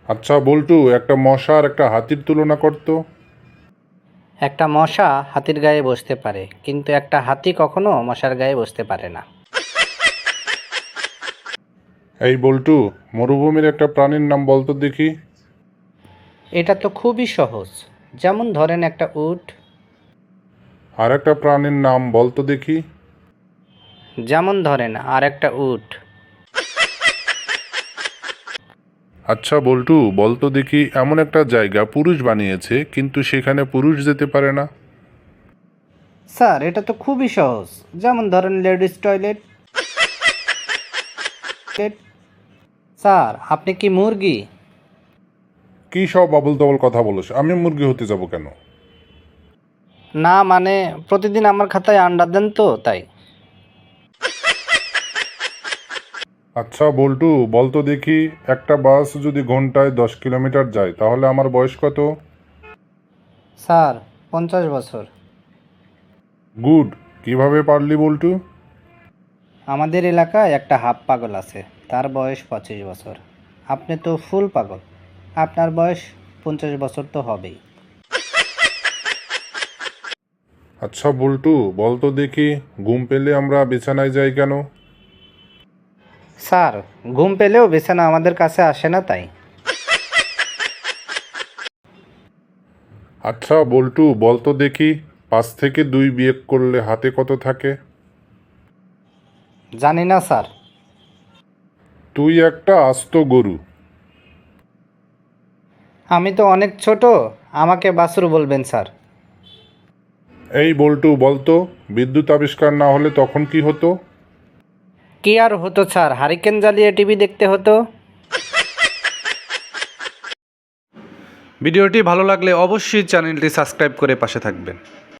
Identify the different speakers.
Speaker 1: আচ্ছা বল্টু, একটা মশা আর একটা হাতির তুলনা করতো।
Speaker 2: একটা মশা হাতির গায়ে বসতে পারে, কিন্তু একটা হাতি কখনো মশার গায়ে বসতে পারে না।
Speaker 1: এই বল্টু, মরুভূমির একটা প্রাণীর নাম বলতো দেখি।
Speaker 2: এটা তো খুবই সহজ। যেমন ধরেন একটা উট।
Speaker 1: আর একটা প্রাণীর নাম বলতো দেখি।
Speaker 2: যেমন ধরেন আর একটা উট।
Speaker 1: আচ্ছা বল্টু, বলতো দেখি এমন একটা জায়গা পুরুষ বানিয়েছে কিন্তু সেখানে পুরুষ যেতে পারে না।
Speaker 2: স্যার, এটা তো খুবই সহজ। যেমন ধরেন লেডিস টয়লেট। স্যার, আপনি কি মুরগি?
Speaker 1: কি সব আবল তাবল কথা বলছ? আমি মুরগি হতে যাব কেন?
Speaker 2: না মানে, প্রতিদিন আমার খাতায় আন্ডা দেন তো তাই।
Speaker 1: আচ্ছা বল্টু, বলতো দেখি একটা বাস যদি ঘন্টায় 10 কিলোমিটার যায় তাহলে আমার বয়স কত?
Speaker 2: স্যার, 50 বছর।
Speaker 1: গুড। কিভাবে পারলি বল্টু?
Speaker 2: আমাদের এলাকায় একটা হাফ পাগল আছে, তার বয়স 25 বছর। আপনি তো ফুল পাগল, আপনার বয়স 50 বছর তো হবেই।
Speaker 1: আচ্ছা বল্টু, বলতো দেখি ঘুম পেলে আমরা বিছানায় যাই কেন?
Speaker 2: স্যার, ঘুম পেলেও বিছানা আমাদের কাছে আসে না তাই।
Speaker 1: আচ্ছা বল্টু, বলতো দেখি 5 থেকে 2 বিয়োগ করলে হাতে কত থাকে?
Speaker 2: জানি না স্যার।
Speaker 1: তুই একটা আস্ত গরু।
Speaker 2: আমি তো অনেক ছোট, আমাকে বাছুর বলবেন স্যার।
Speaker 1: এই বল্টু, বলতো বিদ্যুৎ আবিষ্কার না হলে তখন কি হতো?
Speaker 2: কি আর হতো স্যার, হারিকেন জ্বালিয়ে টিভি দেখতে হতো।
Speaker 3: ভিডিওটি ভালো লাগলে অবশ্যই চ্যানেলটি সাবস্ক্রাইব করে পাশে থাকবেন।